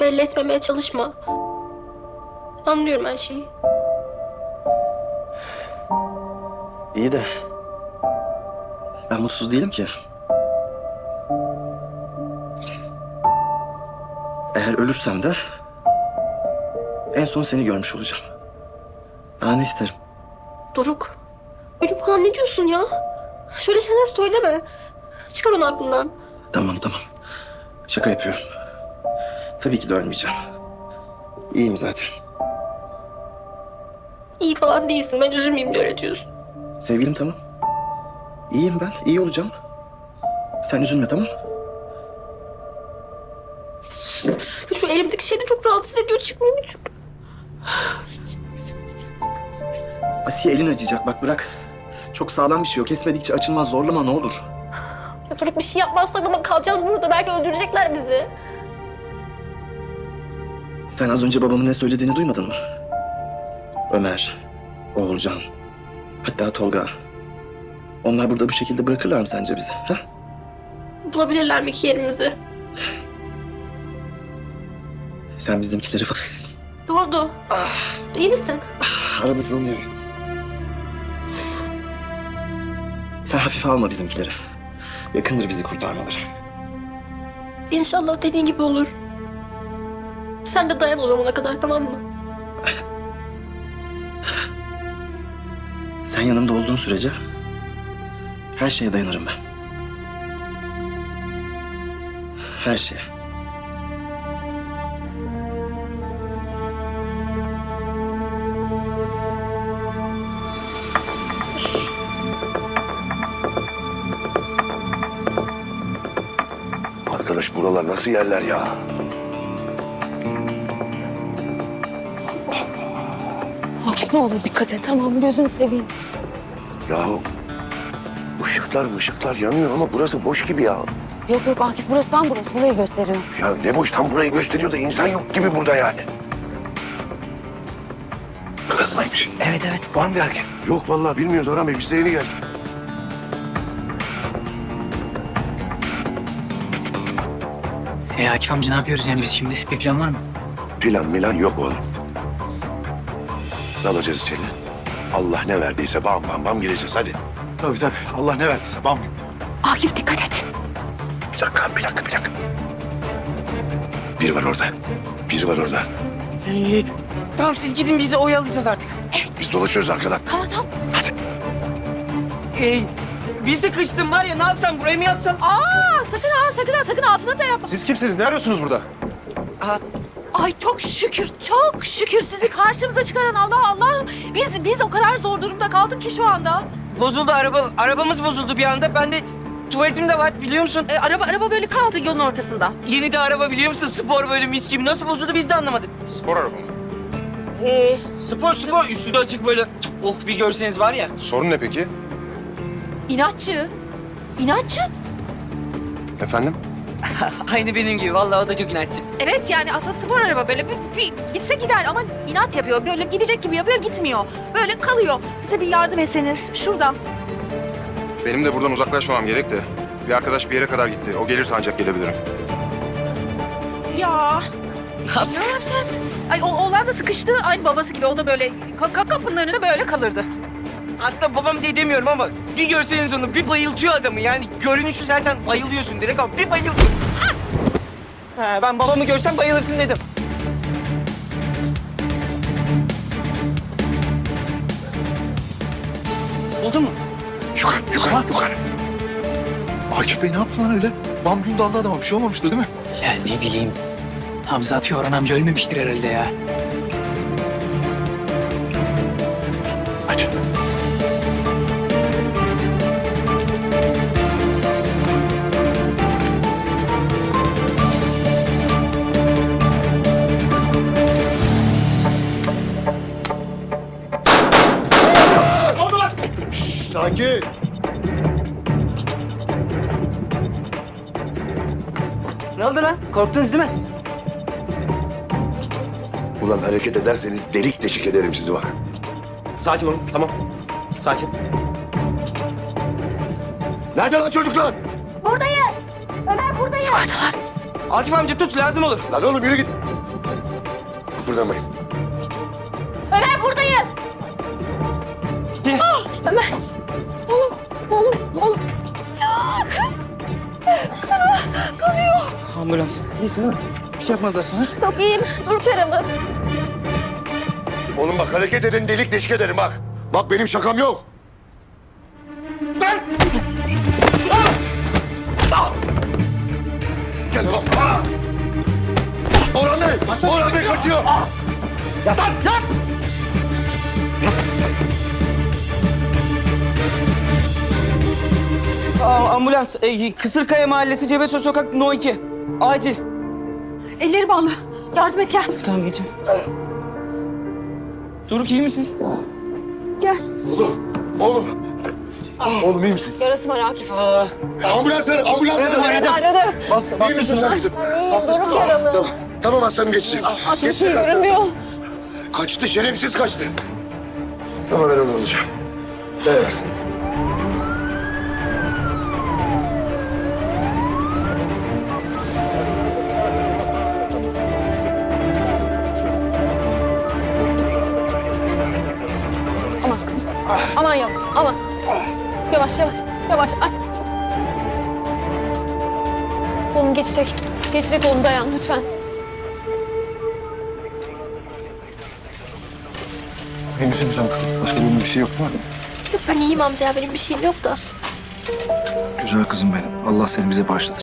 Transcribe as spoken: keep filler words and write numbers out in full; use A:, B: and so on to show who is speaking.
A: belli etmemeye çalışma. Anlıyorum her şeyi.
B: İyi de ben mutsuz değilim ki. Eğer ölürsem de en son seni görmüş olacağım. Daha ne isterim?
A: Doruk, ölüm falan ne diyorsun ya? Şöyle şeyler söyleme. Çıkar onu aklından.
B: Tamam tamam. Şaka yapıyorum. Tabii ki de ölmeyeceğim. İyiyim zaten.
A: İyi falan değilsin. Ben üzülmeyeyim diye öğretiyorsun.
B: Sevgilim tamam. İyiyim ben. İyi olacağım. Sen üzülme tamam.
A: Şu elimdeki şey de çok rahatsız ediyor. Çıkmayayım hiç.
B: Asiye elin acıyacak bak bırak. Çok sağlam bir şey o. Kesmedikçe açılmaz. Zorlama ne olur.
A: Ya Doruk bir şey yapmazsak ama kalacağız burada. Belki öldürecekler bizi.
B: Sen az önce babamın ne söylediğini duymadın mı? Ömer, Oğulcan, hatta Tolga. Onlar burada bu şekilde bırakırlar mı sence bizi? Ha?
A: Bulabilirler mi ki yerimizi?
B: Sen bizimkileri falan...
A: Ne oldu? Ah, iyi misin?
B: Arada sızlıyor. Sen hafife alma bizimkileri. Yakındır bizi kurtarmaları.
A: İnşallah dediğin gibi olur. Sen de dayan o zamana kadar, tamam mı?
B: Sen yanımda olduğun sürece her şeye dayanırım ben. Her şeye.
C: Arkadaş buralar nasıl yerler ya?
D: Akif ne olur dikkat et, tamam, gözünü seveyim.
C: Yahu ışıklar ışıklar yanıyor ama burası boş gibi ya.
D: Yok yok Akif, burası tam burası, burayı gösteriyor.
C: Ya ne boş tam burayı gösteriyor da insan yok gibi burada yani. Kız mıymış?
E: Evet evet.
C: Var mı bir erkek? Yok vallahi bilmiyoruz Orhan Bey, biz de yeni geldik.
E: E Akif amca ne yapıyoruz yani biz şimdi? Bir plan var mı?
C: Plan milan yok oğlum. Dalacağız içeri. Allah ne verdiyse bam bam bam gireceğiz hadi.
F: Tabii tabii. Allah ne verdiyse bam gibi.
D: Akif dikkat et.
C: Bir dakika bir dakika bir dakika. Biri var orada. Biri var orada.
E: Ee, tamam siz gidin bizi oyalayacağız artık.
C: Biz dolaşıyoruz arkadan.
D: Tamam tamam.
E: Ee, biz de kıştım var ya ne yapsam burayı mı yapsam?
D: Aa sakın ha, sakın ha, sakın altına da yapma.
F: Siz kimsiniz? Ne arıyorsunuz burada?
D: Ay çok şükür, çok şükür sizi karşımıza çıkaran Allah Allah. Biz biz o kadar zor durumda kaldık ki şu anda.
E: Bozuldu araba, arabamız bozuldu bir anda. Ben de tuvaletim de var biliyor musun?
D: E, araba araba böyle kaldı yolun ortasında.
E: Yeni de araba biliyor musun? Spor böyle mis gibi. Nasıl bozuldu biz de anlamadık.
F: Spor araba mı?
E: Ee, spor spor üstü de açık böyle. Oh bir görseniz var ya.
F: Sorun ne peki?
D: İnatçı. İnatçı.
F: Efendim?
E: Aynı benim gibi. Vallahi o da çok inatçı.
D: Evet yani aslında spor araba böyle bir, bir gitse gider ama inat yapıyor. Böyle gidecek gibi yapıyor, gitmiyor. Böyle kalıyor. Bize bir yardım etseniz şuradan.
F: Benim de buradan uzaklaşmamam gerek de. Bir arkadaş bir yere kadar gitti. O gelirse ancak gelebilirim.
D: Ya
E: Nasıl?
D: ne yapacağız? Ay o oğlan da sıkıştı. Aynı babası gibi o da böyle ka- ka- kapının önünde böyle kalırdı.
E: Aslında babam diye demiyorum ama bir görseniz onu bir bayıltıyor adamı. Yani görünüşü zaten bayılıyorsun direkt ama bir bayıltıyor. Ah! Ha, ben babamı görsem bayılırsın dedim. Oldu mu?
C: Yukarı yukarı yukarı.
F: Akif Bey ne yaptı lan öyle? Bam gün daldı adama. Bir şey olmamıştır değil mi?
G: Ya ne bileyim. Hamza atıyor Orhan amca ölmemiştir herhalde ya.
C: Aç.
F: Şşş sakin.
E: Ne oldu lan? Korktunuz değil mi?
C: Ulan hareket ederseniz delik deşik ederim sizi bak.
G: Sakin olun tamam. Sakin.
C: Nerede lan çocuklar?
E: Akif amca tut lazım olur.
C: Lan oğlum yürü git. kıpırdamayın.
A: Ömer buradayız. Ah, Ömer. Oğlum, oğlum, oğlum.
E: Ambulans.
B: Bir şey yapmadılar sana.
A: Çok iyiyim. Dur yaralı.
C: Oğlum bak hareket edin delik deşik ederim bak. Bak benim şakam yok. Ben! Gel bak. Orhan Bey! Orhan Bey kaçıyor! Yat lan! Yat!
E: Aa, ambulans. E, Kısırkaya Mahallesi Cebesoy Sokak No iki. Acil.
D: Elleri bağlı. Yardım et gel.
E: Tamam geçin. Doruk iyi misin?
C: Oğlum! Oğlum! Oğlum iyi misin?
A: Yarası var Akif.
E: Aa,
C: Ambulanslar! Ambulanslar!
A: Aradı.
E: bas,
C: İyi
E: bas.
C: misin sen kızım?
A: İyiyim. Doruk yaralı.
C: Tamam. Tamam aslanım geçecek.
A: Akif
C: Geçecek aslanım.
A: görünmüyor.
C: Kaçtı, şerefsiz kaçtı. Ama ben onu alacağım. Evet aslanım.
A: Aman. Aman yavaş. Aman. Yavaş yavaş. Yavaş. Ay. Oğlum geçecek. Geçecek oğlum dayan lütfen.
C: İyi misin sen kızım? Başka benim bir şey yok mu?
A: Yok ben iyiyim amca. Benim bir şeyim yok da.
B: Güzel kızım benim. Allah seni bize bağışladı.